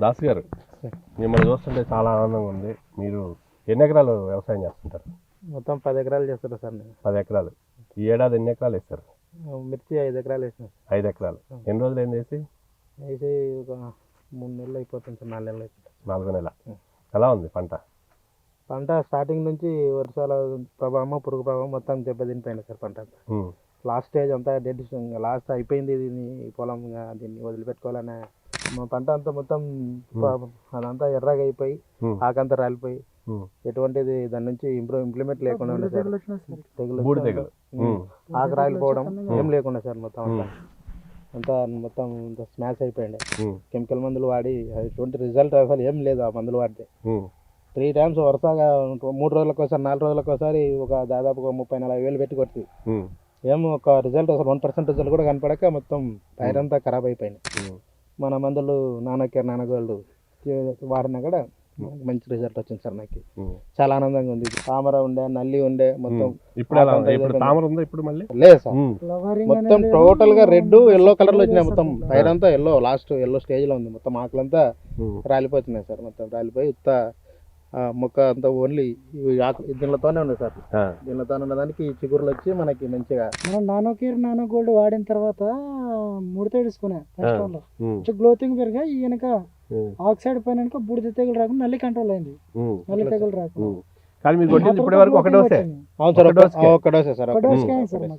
దాస్ గారు, మిమ్మల్ని చూస్తుంటే చాలా ఆనందంగా ఉంది. మీరు ఎన్ని ఎకరాలు వ్యవసాయం చేస్తుంటారు? మొత్తం 10 ఎకరాలు చేస్తారు సార్ నేను. 10 ఎకరాలు. ఈ ఏడాది ఎన్ని ఎకరాలు వేస్తారు? మిర్చి 5 ఎకరాలు వేసిన. 5 ఎకరాలు. ఎన్ని రోజులు అయింది వేసి? వేసి ఒక 3 నెలలు అయిపోతుంది సార్, 4 నెలలు అయిపోతుంది. 4 నెలల. ఎలా ఉంది పంట? పంట స్టార్టింగ్ నుంచి వర్షాల ప్రభావం, పురుగు ప్రభావం మొత్తం దెబ్బతినిపోయింది సార్ పంట. లాస్ట్ స్టేజ్ అంతా డెడ్, లాస్ట్ అయిపోయింది. దీన్ని పొలం దీన్ని వదిలిపెట్టుకోవాలనే పంట అంతా మొత్తం అదంతా ఎర్రగా అయిపోయి ఆకంతా రాలిపోయి ఎటువంటిది దాని నుంచి ఇంప్లిమెంట్ లేకుండా ఉండే సార్. తెగులు ఆకు రాలిపోవడం ఏం లేకుండా సార్ మొత్తం అంతా మొత్తం స్మాష్ అయిపోయింది. కెమికల్ మందులు వాడి ఎటువంటి రిజల్ట్ అసలు ఏం లేదు. ఆ మందులు వాడితే 3 times వరుసగా 3 రోజులకు ఒకసారి 4 రోజులకు ఒకసారి ఒక దాదాపు 30-40 వేలు పెట్టి కొట్టి ఏం ఒక రిజల్ట్ అసలు 1% రిజల్ట్ కూడా కనపడక మొత్తం పైరంతా ఖరాబ్ అయిపోయింది. మన మందులు నానగోల్డ్ వాడినా కూడా మంచి రిజల్ట్ వచ్చింది సార్. నాకు చాలా ఆనందంగా ఉంది. తామర ఉండే, నల్లి ఉండే మొత్తం లేదు సార్. మొత్తం టోటల్ గా రెడ్ ఎల్లో కలర్ లో వచ్చినాయి. మొత్తం పైరంతా ఎల్లో, లాస్ట్ ఎల్లో స్టేజ్ లో ఉంది. మొత్తం ఆకులంతా రాలిపోతున్నాయి సార్. మొత్తం రాలిపోయి ఉత్త మొక్క అంతా ఓన్లీ దీనితోనే ఉంది సార్. దీనితోనే ఉన్నదానికి చిగురులు వచ్చి మనకి మంచిగా మనం నానో గోల్డ్ వాడిన తర్వాత ముడత వేసుకున్నా. గ్లోతింగ్ పెరిగా ఈ వెనక ఆక్సైడ్ పైన బూడిద తెగులు రాకుండా నల్లి కంట్రోల్ అయింది. నల్లి తెగులు రాకుండా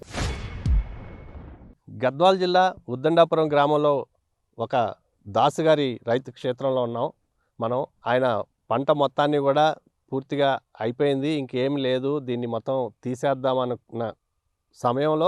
గద్వాల జిల్లా ఉద్దండాపురం గ్రామంలో ఒక దాసు గారి రైతు క్షేత్రంలో ఉన్నాం మనం. ఆయన పంట మొత్తాన్ని కూడా పూర్తిగా అయిపోయింది, ఇంకేం లేదు, దీన్ని మొత్తం తీసేద్దామనుకున్న సమయంలో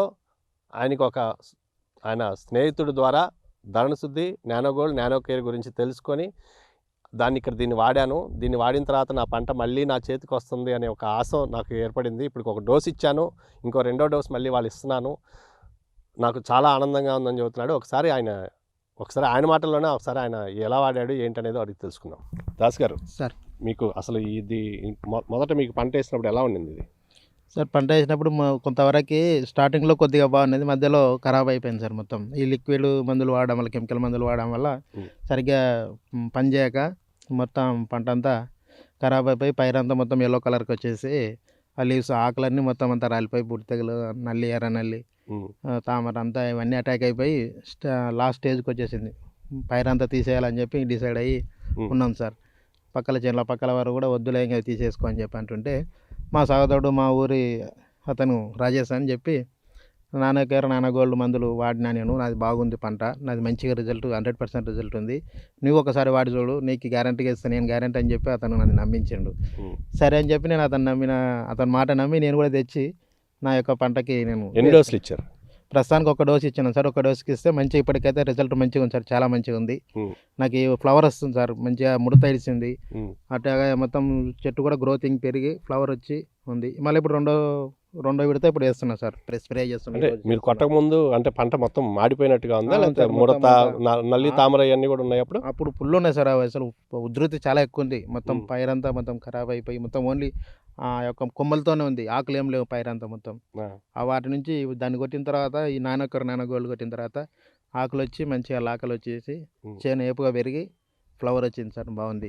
ఆయన స్నేహితుడి ద్వారా ధరణశుద్ధి, నానోగోల్డ్, నానోకేర్ గురించి తెలుసుకొని దీన్ని వాడాను. దీన్ని వాడిన తర్వాత నా పంట మళ్ళీ నా చేతికి వస్తుంది అనే ఒక ఆశ నాకు ఏర్పడింది. ఇప్పుడు ఒక డోస్ ఇచ్చాను, ఇంకో 2వ డోస్ మళ్ళీ వాళ్ళు ఇస్తున్నాను. నాకు చాలా ఆనందంగా ఉందని చెబుతున్నాడు. ఒకసారి ఆయన మాటల్లోనే ఒకసారి ఆయన ఎలా వాడాడు ఏంటనేది అడిగి తెలుసుకుందాం. దాస్ గారు సార్, మీకు అసలు ఇది మొదట మీకు పంట వేసినప్పుడు ఎలా ఉండింది ఇది? సార్ పంట వేసినప్పుడు కొంతవరకు స్టార్టింగ్లో కొద్దిగా బాగున్నది, మధ్యలో ఖరాబ్ అయిపోయింది సార్. మొత్తం ఈ లిక్విడ్ మందులు వాడడం వల్ల, కెమికల్ మందులు వాడడం వల్ల సరిగ్గా పనిచేయక మొత్తం పంట అంతా ఖరాబ్ అయిపోయి పైరంతా మొత్తం ఎల్లో కలర్కి వచ్చేసి ఆ లీవ్స్ ఆకులన్నీ మొత్తం అంతా రాలిపోయి బూడిద తెగులు, నల్లి, ఎర్ర నల్లి, తామర అంతా ఇవన్నీ అటాక్ అయిపోయి లాస్ట్ స్టేజ్కి వచ్చేసింది. పైరంతా తీసేయాలని చెప్పి డిసైడ్ అయ్యి ఉన్నాం సార్. పక్కల వారు కూడా వద్దులే ఇంకా తీసేసుకో అని చెప్పి అంటుంటే మా సహోదరుడు, మా ఊరి అతను రాజేష్ అని చెప్పి నానోగోల్డ్ మందులు వాడినా నేను. నాది బాగుంది పంట, నాది మంచిగా రిజల్ట్ 100% రిజల్ట్ ఉంది, నువ్వు ఒకసారి వాడి చూడు, నీకు గ్యారంటీగా ఇస్తాను, నేను గ్యారంటీ అని చెప్పి అతను నన్ను నమ్మించిండు. సరే అని చెప్పి నేను అతని మాట నమ్మి నేను కూడా తెచ్చి నా యొక్క పంటకి నేను. ఎన్ని డోసులు ఇచ్చారు? ప్రస్తుతానికి 1 డోస్ ఇచ్చాను సార్. 1 డోస్కి ఇస్తే మంచిగా ఇప్పటికైతే రిజల్ట్ మంచిగా ఉంది సార్, చాలా మంచిగా ఉంది. నాకు ఫ్లవర్ వస్తుంది సార్, మంచిగా ముడత ఇడిచింది. అట్లాగే మొత్తం చెట్టు కూడా గ్రోతింగ్ పెరిగి ఫ్లవర్ వచ్చి ఉంది. మళ్ళీ ఇప్పుడు రెండో విడత ఇప్పుడు వేస్తున్నా సార్, స్ప్రే చేస్తున్నా. మీరు కొట్టక ముందు అంటే పంట మొత్తం మాడిపోయినట్టుగా ఉందా, లేకపోతే ముడత, నల్లి, తామర ఇవన్నీ కూడా ఉన్నాయి? అప్పుడు ఫుల్ ఉన్నాయి సార్. అసలు ఉధృతి చాలా ఎక్కువ ఉంది. మొత్తం పైరంతా మొత్తం ఖరాబ్ అయిపోయి మొత్తం ఓన్లీ ఆ యొక్క కొమ్మలతోనే ఉంది, ఆకులు ఏం లేవు పైరంతా మొత్తం. వాటి నుంచి దాన్ని కొట్టిన తర్వాత ఈ నానోగోల్డ్ కొట్టిన తర్వాత ఆకులు వచ్చి మంచిగా లాకలు వచ్చేసి చేను ఏపుగా పెరిగి ఫ్లవర్ వచ్చింది సార్, బాగుంది.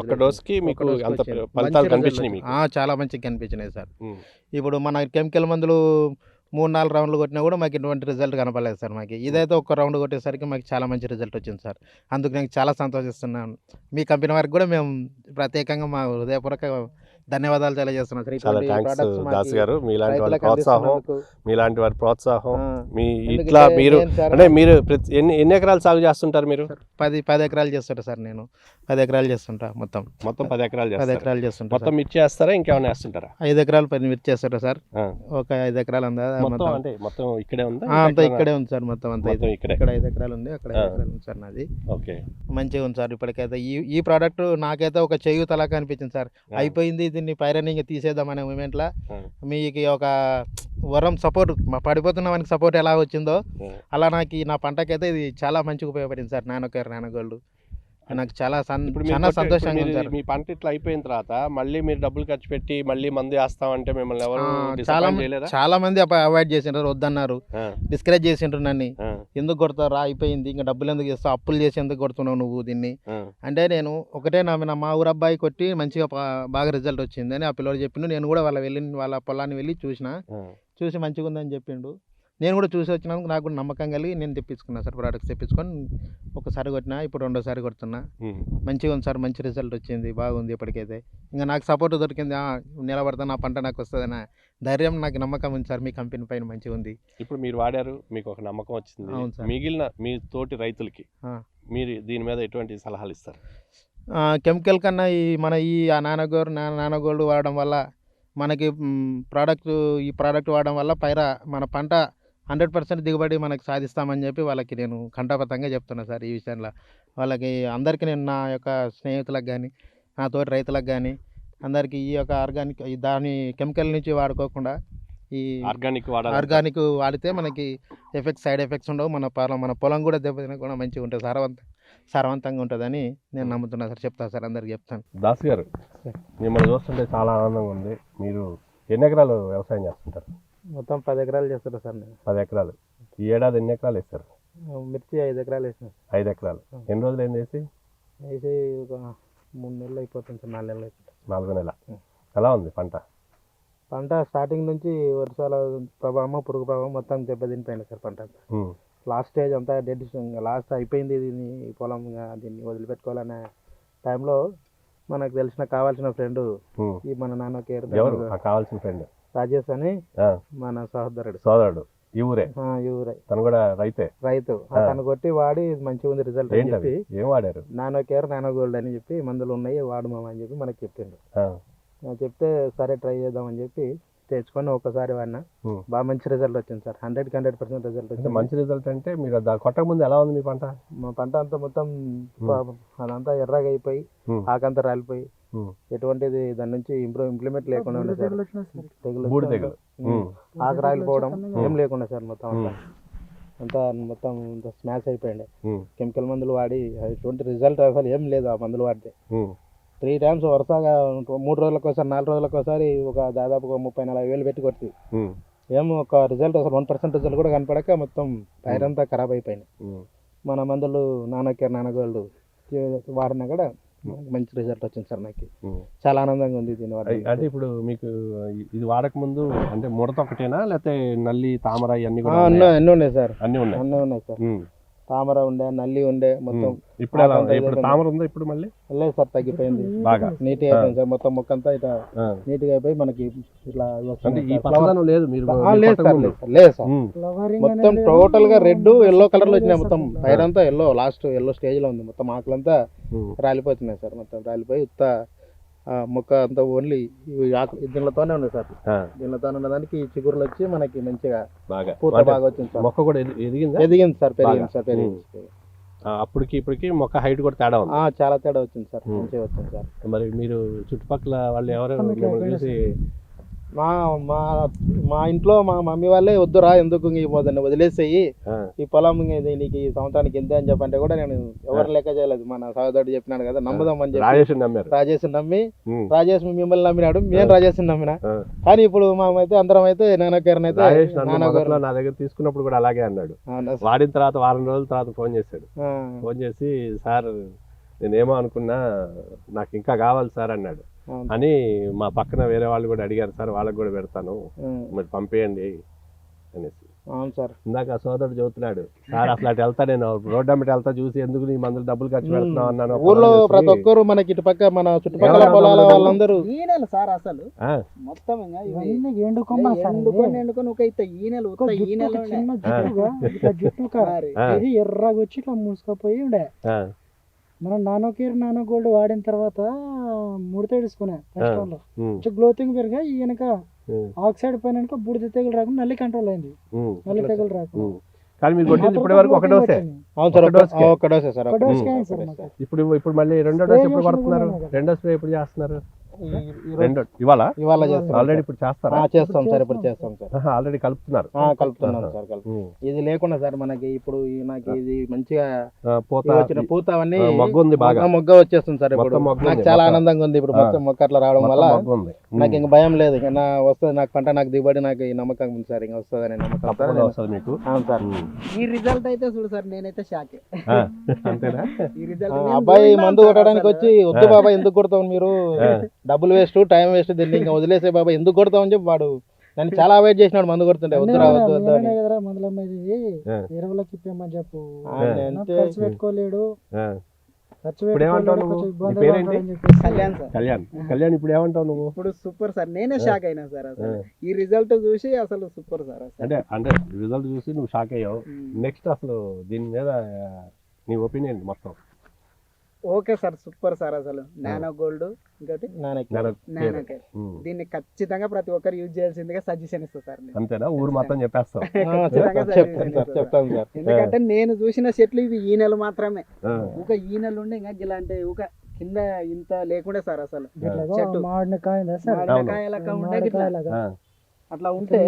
చాలా మంచిగా కనిపించినాయి సార్. ఇప్పుడు మన కెమికల్ మందులు 3-4 రౌండ్లు కొట్టినా కూడా మాకు ఎటువంటి రిజల్ట్ కనపడలేదు సార్. మాకు ఇదైతే 1 రౌండ్ కొట్టేసరికి మాకు చాలా మంచి రిజల్ట్ వచ్చింది సార్. అందుకు నేను చాలా సంతోషిస్తున్నాను. మీ కంపెనీ వారికి కూడా మేము ప్రత్యేకంగా మా హృదయపూర్వక ధన్యవాదాలు తెలియజేస్తున్నాం సార్. చాలా థ్యాంక్స్ దాస్ గారు. మీలాంటి వారి ప్రోత్సాహం మీ ఇట్లా మీరు అంటే మీరు ఎన్ని ఎకరాలు సాగు చేస్తుంటారు మీరు? 10 ఎకరాలు చేస్తుంటా సార్. నేను 10 ఎకరాలు చేస్తుంటా. మొత్తం 10 ఎకరాలు చేస్తుంటా. మొత్తం మిర్చి చేస్తారా, ఇంకేమైనా వేస్తుంటారా? 5 ఎకరాలు మిర్చి చేస్తుంటా సార్. ఒక 5 ఎకరాలు ఉందా మొత్తం ఇక్కడే ఉందా? అంతా ఇక్కడే ఉంది సార్. మొత్తం అంతా ఇక్కడ 5 ఎకరాలు ఉంది, అక్కడ 5 ఎకరాలు ఉంది సార్ నాది. ఓకే, మంచిగా ఉంది సార్. ఇప్పటికైతే ఈ ప్రోడక్ట్ నాకైతే ఒక చేయూతలాగా అనిపించింది సార్. అయిపోయింది, దీన్ని పైరనింగ్ తీసేద్దామనే మూమెంట్లో మీకు ఒక వరం సపోర్ట్, పడిపోతున్న మనకి సపోర్ట్ ఎలా వచ్చిందో అలా నాకు నా పంటకైతే ఇది చాలా మంచిగా ఉపయోగపడింది సార్. నానోగోల్డ్ నాకు చాలా ఇప్పుడు మీరు చాలా కొట్టే- ఇప్పుడు సంతోషంగా ఉంది మీరు సార్. మీ పంట ఇట్లా అయిపోయిన తర్వాత మళ్ళీ మీరు డబ్బులు ఖర్చు పెట్టి మళ్ళీ మందు వేస్తామంటే మిమ్మల్ని ఎవరు చాలా disappoint చేయలేదా? చాలా మంది అవాయిడ్ చేసిండ్రు, వద్దన్నారు, ఆ, డిస్కరేజ్ చేసిండ్రు నన్ను. ఆ, ఎందుకు కొడతావు రా, అయిపోయింది, ఇంకా డబ్బులు ఎందుకు ఇస్తావు, అప్పులు చేసి ఎందుకు కొడుతున్నావు నువ్వు దీన్ని ఆ, అంటే, నేను ఒకటే మా ఊరు అబ్బాయి కొట్టి మంచిగా బాగా రిజల్ట్ వచ్చింది అని ఆ పిల్లడు చెప్పిండు. నేను కూడా వాళ్ళ పొలాన్ని వెళ్ళి ఆ. చూసి మంచిగా ఉందని చెప్పిండు. నేను కూడా చూసి వచ్చినందుకు నాకు కూడా నమ్మకం కలిగి నేను తెప్పించుకున్నాను సార్, ప్రోడక్ట్స్ తెప్పించుకొని ఒకసారి కొట్టినా, ఇప్పుడు రెండోసారి కొడుతున్నా. ఉమ్. మంచిగా ఉంది సార్, మంచి రిజల్ట్ వచ్చింది, బాగుంది ఇప్పటికైతే. ఇంకా నాకు సపోర్ట్ దొరికింది, నిలబడతాను, నా పంట నాకు వస్తుందన్న ధైర్యం, నాకు నమ్మకం ఉంది సార్. మీ కంపెనీ పైన మంచిగా ఉంది. ఇప్పుడు మీరు వాడారు, మీకు ఒక నమ్మకం వచ్చింది. అవును సార్. మిగిలిన మీ తోటి రైతులకి ఆ. మీరు దీని మీద ఎటువంటి సలహాలు ఇస్తారు? కెమికల్ కన్నా ఈ నానోగోల్డ్ వాడడం వల్ల మనకి ఈ ప్రోడక్ట్ వాడడం వల్ల మన పంట 100% దిగుబడి మనకి సాధిస్తామని చెప్పి వాళ్ళకి నేను కంఠాపతంగా చెప్తున్నా సార్. ఈ విషయంలో వాళ్ళకి అందరికీ నేను నా యొక్క స్నేహితులకు కానీ, నా తోటి రైతులకు కానీ, అందరికీ ఈ యొక్క ఆర్గానిక్ దాని కెమికల్ నుంచి వాడుకోకుండా ఈ ఆర్గానిక్ వాడితే మనకి సైడ్ ఎఫెక్ట్స్ ఉండవు. మన పొలం కూడా దెబ్బతిన కూడా మంచిగా ఉంటుంది, సారవంతంగా ఉంటుందని నేను నమ్ముతున్నా సార్. చెప్తాను సార్, అందరికి చెప్తాను. దాస్ గారు, మిమ్మల్ని చూస్తుంటే చాలా ఆనందంగా ఉంది. మీరు ఎన్ని ఎకరాలు వ్యవసాయం చేస్తుంటారు? మొత్తం 10 ఎకరాలు చేస్తారు సార్ నేను. 10 ఎకరాలు. ఈ ఏడాది ఎన్ని ఎకరాలు వేస్తారు? మిర్చి 5 ఎకరాలు వేసినా. 5 ఎకరాలు. ఎన్ని రోజులు ఏం వేసి? వేసి ఒక 3 నెలలు అయిపోతుంది సార్, 4 నెలలు అయిపోతుంది. 4 నెలల. ఎలా ఉంది పంట? పంట స్టార్టింగ్ నుంచి వర్షాల ప్రభావం, పురుగు ప్రభావం మొత్తం దెబ్బతినిపోయింది సార్ పంట. లాస్ట్ స్టేజ్ అంతా డెడ్, లాస్ట్ అయిపోయింది, దీన్ని పొలం దీన్ని వదిలిపెట్టుకోవాలనే టైంలో మనకు కావాల్సిన ఫ్రెండ్ ఈ మన నాన్న కేర్ కావాల్సిన ఫ్రెండ్ రాజేష్ అని మన సోదరుడు. ఈ ఊరే? ఈ ఊరే. తను కూడా రైతు. తను కొట్టి వాడి మంచిగా ఉంది రిజల్ట్ అని చెప్పి, ఏం వాడారు? నానో కేర్, నానో గోల్డ్ అని చెప్పి మందులు ఉన్నాయి, వాడు మామ అని చెప్పి మనకి చెప్పిండు. చెప్తే సరే ట్రై చేద్దామని చెప్పి తెచ్చుకొని ఒకసారి వాడినా, బాగా మంచి రిజల్ట్ వచ్చింది సార్. 100% రిజల్ట్ వచ్చింది. మంచి రిజల్ట్ అంటే మీరు కొట్టక ముందు ఎలా ఉంది మీ పంట? మా పంట అంతా మొత్తం అదంతా ఎర్రగా అయిపోయి, ఆకంతా రాలిపోయి, ఎటువంటిది దాని నుంచి ఇంప్లిమెంట్ లేకుండా ఉండే సార్. తెగులు, ఆకు రాలిపోవడం ఏం లేకుండా సార్. మొత్తం మొత్తం స్మాష్ అయిపోయింది. కెమికల్ మందులు వాడి ఎటువంటి రిజల్ట్ అసలు ఏం లేదు. ఆ మందులు వాడితే 3 times వరుసగా 3 రోజులకు ఒకసారి, 4 రోజులకు ఒకసారి దాదాపు 30-40 వేలు పెట్టి కొట్టి ఏమో ఒక రిజల్ట్ అసలు 1% రిజల్ట్ కూడా కనపడక మొత్తం పైరంతా ఖరాబ్ అయిపోయింది. మన మందులు నానోగోల్డ్ వాడినా కూడా మంచి రిజల్ట్ వచ్చింది సార్. నాకు చాలా ఆనందంగా ఉంది దీని వాడి. అంటే ఇప్పుడు మీకు ఇది వాడక ముందు అంటే ముడత ఒకటేనా, లేకపోతే నల్లి, తామర అన్ని అన్నీ ఉన్నాయి సార్? అన్నీ ఉన్నాయి సార్. తామర ఉండే, నల్లి ఉండే మొత్తం. ఇప్పుడు తామర ఉందా? ఇప్పుడు మళ్ళీ లేదు సార్, తగ్గిపోయింది, బాగా నీట్ గా అయిపోయింది సార్. మొత్తం మొక్క అంతా ఇట్లా నీట్ గా అయిపోయి మనకి ఇట్లా లేదు సార్. మొత్తం టోటల్ గా రెడ్, ఎల్లో కలర్ లో వచ్చినాయి. మొత్తం పైరంతా ఎల్లో, లాస్ట్ ఎల్లో స్టేజ్ లో ఉంది. మొత్తం ఆకులంతా రాలిపోతున్నాయి సార్. మొత్తం రాలిపోయి ఉత్త మొక్క అంతా ఓన్లీ దీనితోనే ఉంది సార్. దీనితోనే ఉన్నదానికి చిగురులు వచ్చి మనకి మంచిగా పూత బాగా వచ్చింది సార్. మొక్క కూడా ఎదిగింది సార్, పెరిగింది. అప్పటికి ఇప్పటికి మొక్క హైట్ కూడా తేడా ఉంది. చాలా తేడా వచ్చింది సార్, మంచిగా వచ్చింది సార్. మరి మీరు చుట్టుపక్కల వాళ్ళు ఎవరు చూసి మా ఇంట్లో మా మమ్మీ వాళ్ళే వద్దురా, ఎందుకు వదిలేసేయి ఈ పొలం, నీకు ఈ సంవత్సరానికి ఎంత అని చెప్పంటే కూడా నేను ఎవరు లెక్క చేయలేదు. మన సహోదరుడు చెప్పినాడు కదా, నమ్ముదామని చెప్పి రాజేష్ నమ్మి, రాజేష్ మిమ్మల్ని నమ్మినాడు, మేము రాజేష్ నమ్మినా. కానీ ఇప్పుడు మేమైతే అందరం అయితే నానో కేర్ అయితే నా దగ్గర తీసుకున్నప్పుడు కూడా అలాగే అన్నాడు. వాడిన తర్వాత వారం రోజుల తర్వాత ఫోన్ చేశాడు. ఫోన్ చేసి, సార్ నేనేమో అనుకున్నా, నాకు ఇంకా కావాలి సార్ అన్నాడు. అని మా పక్కన వేరే వాళ్ళు కూడా అడిగారు, సార్ వాళ్ళకి కూడా పెడతాను, మరి పంపేయండి అనేసి. అవును సార్. ఇందాక సోదరుడు చెబుతున్నాడు, సార్ అసలు అటు వెళ్తా, నేను రోడ్డు అమ్మటి వెళ్తా, చూసి ఎందుకు నీ మందులు డబ్బులు ఖర్చు పెడుతున్నావు అన్నాను. ఊర్లో ప్రతి ఒక్కరు మనకి ఇటు పక్క మన చుట్టుపక్కల పొలాల వాళ్ళందరూ సార్ అసలు మొత్తం ఎర్రగా వచ్చి ఇట్లా మూసుకపోయి ఉండే. మనం నానో గోల్డ్ వాడిన తర్వాత ముడత వేసుకున్నా ఫస్ట్ లో, గ్లోతింగ్ పెరిగా ఈ వెనక ఆక్సైడ్ పైన బూడిద తెగులు రాకుండా నల్లి కంట్రోల్ అయింది. నల్లి తెగులు రాకుండా ఇప్పుడు మళ్ళీ రెండో డోస్ ఎప్పుడు పడుతున్నారు? రెండో స్ప్రే ఎప్పుడు చేస్తున్నారు? రెండు ఇవాళ ఇవాళ చేస్తాం ఆల్రెడీ ఇప్పుడు చేస్తారా? చేస్తాం సార్, ఇప్పుడు చేస్తాం సార్. ఆల్రెడీ కలుపుతున్నారు. కలుపుతున్నాం సార్, ఇది లేకుండా సార్ మనకి ఇప్పుడు నాకు ఇది మంచిగా పూత వచ్చిన పూత అవన్నీ మొగ్గ ఉంది, బాగా మొగ్గ వచ్చేస్తుంది సార్. ఇప్పుడు నాకు చాలా ఆనందంగా ఉంది ఇప్పుడు మొత్తం మొక్క అట్లా రావడం వల్ల. నాకు ఇంకా భయం లేదు, ఇంకా నా వస్తుంది నాకు పంట, నాకు దిగుబడి, నాకు ఈ నమ్మకం ఉంది సార్, ఇంకా వస్తుంది అనే నమ్మకం వస్తుంది మీకు. అవును సార్. ఈ రిజల్ట్ అయితే చూడు సార్, నేనైతే షాకే. అంతేనా? ఈ రిజల్ట్ అబ్బాయి మందు కొట్టడానికి వచ్చి వద్దు బాబా ఎందుకు కొడతావు మీరు, డబ్బులు వేస్ట్, టైం వేస్ట్, దీన్ని ఇంకా వదిలేసే బాబా ఎందుకు కొడతావు అని చెప్పి వాడు నన్ను చాలా అవాయిడ్ చేసినాడు మందు కొడుతుంటే. వద్దు వద్దు వద్దు అని. మందుల మీద ఎరువులకి ఇప్పేమని చెప్పు, ఖర్చు పెట్టుకోలేడు, ఖర్చు ఇప్పుడు ఏమంటావు నువ్వు? నీ పేరేంటి? కళ్యాణ్ సార్. కళ్యాణ్ ఇప్పుడు ఏమంటావు నువ్వు? ఇప్పుడు సూపర్ సార్, నేనే షాక్ అయినా సార్ అసలు ఈ రిజల్ట్ చూసి. అసలు సూపర్ సార్ అసలు. అంటే రిజల్ట్ చూసి నువ్వు షాక్ అయ్యావు. నెక్స్ట్ అసలు దీని మీద నీ ఒపీనియన్ మొత్తం? ఓకే సార్, సూపర్ సార్ అసలు. నానో గోల్డ్ ఇంకోటి నానో కేర్, దీన్ని ఖచ్చితంగా ప్రతి ఒక్కరు యూజ్ చేయాల్సిందిగా సజెషన్ ఇస్తా సార్. అంతేనా? ఊరు మొత్తం చెప్పేస్తావు? చెప్తాను సార్. ఎందుకంటే నేను చూసిన చెట్లు ఇవి ఈ నెల మాత్రమే, ఒక ఈ నెల ఉండే ఇంకా ఇలాంటి ఒక కింద ఇంత లేకుండే సార్ అసలు. చెట్టు మామిడికాయ లెక్క ఉండే గిట్లా. అట్లా ఉంటే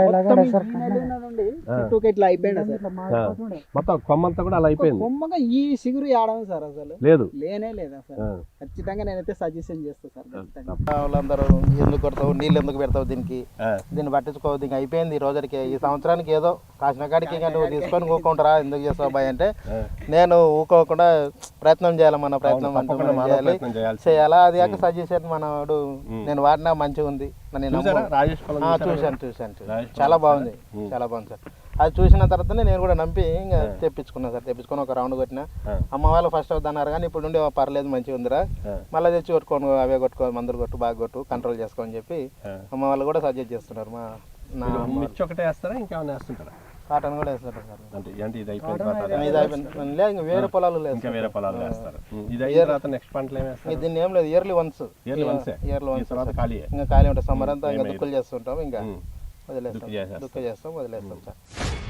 చుట్టూ ఇట్లా అయిపోయింది సార్, మొత్తం కొమ్మంతా కూడా అలా అయిపోయింది. కొమ్మగా ఈ సిగురు ఆడము సార్ అసలు లేదు, లేనే లేదా సార్. ఖచ్చితంగా నేనైతే సజెషన్ చేస్తా సార్. వాళ్ళందరూ ఎందుకు కొడతావు, నీళ్ళు ఎందుకు పెడతావు దీనికి, దీన్ని పట్టించుకోవద్దు, ఇంకా అయిపోయింది ఈ రోజుకి, ఈ సంవత్సరానికి ఏదో కాసిన కాడికి నువ్వు తీసుకొని ఊకుంటారా, ఎందుకు చేస్తావు బాయ్ అంటే, నేను ఊకోకుండా ప్రయత్నం చేయాలి, మన ప్రయత్నం చేయాలా. అది కాక సజెషన్ మనడు నేను వాడినా మంచిగా ఉంది. చూశాను చాలా బాగుంది, చాలా బాగుంది సార్. అది చూసిన తర్వాతనే నేను కూడా నమ్మి ఇంకా తెప్పించుకున్నా సార్. తెప్పించుకొని ఒక రౌండ్ కొట్టిన. అమ్మ వాళ్ళు ఫస్ట్ అవుతున్నారు కానీ ఇప్పుడు నుండి పర్లేదు మంచిగా ఉందిరా, మళ్ళీ తెచ్చి కొట్టుకోను, అవే కొట్టుకో, మందులు కొట్టు, బాగా కొట్టు, కంట్రోల్ చేసుకోని చెప్పి అమ్మ వాళ్ళు కూడా సజెస్ట్ చేస్తున్నారు. మిర్చి ఒకటే వేస్తారా, ఇంకేమైనా వేస్తుంటారా? కాటన్ కూడా వేస్తారు సార్. అంటే ఇది అయిపోయింది, ఇంకా వేరే పొలాలు లేదు, ఇంకా వేరే పొలాలు వేస్తారు. ఇది అయిన తర్వాత నెక్స్ట్ పంటలు ఏమి వేస్తారు? దీన్ని ఏం లేదు, ఇయర్లీ వన్స్ ఖాళీ ఇంకా ఖాళీ ఉంటుంది. సమ్మర్ అంతా ఇంకా దుక్కులు చేస్తుంటాం, ఇంకా వదిలేస్తాం సార్.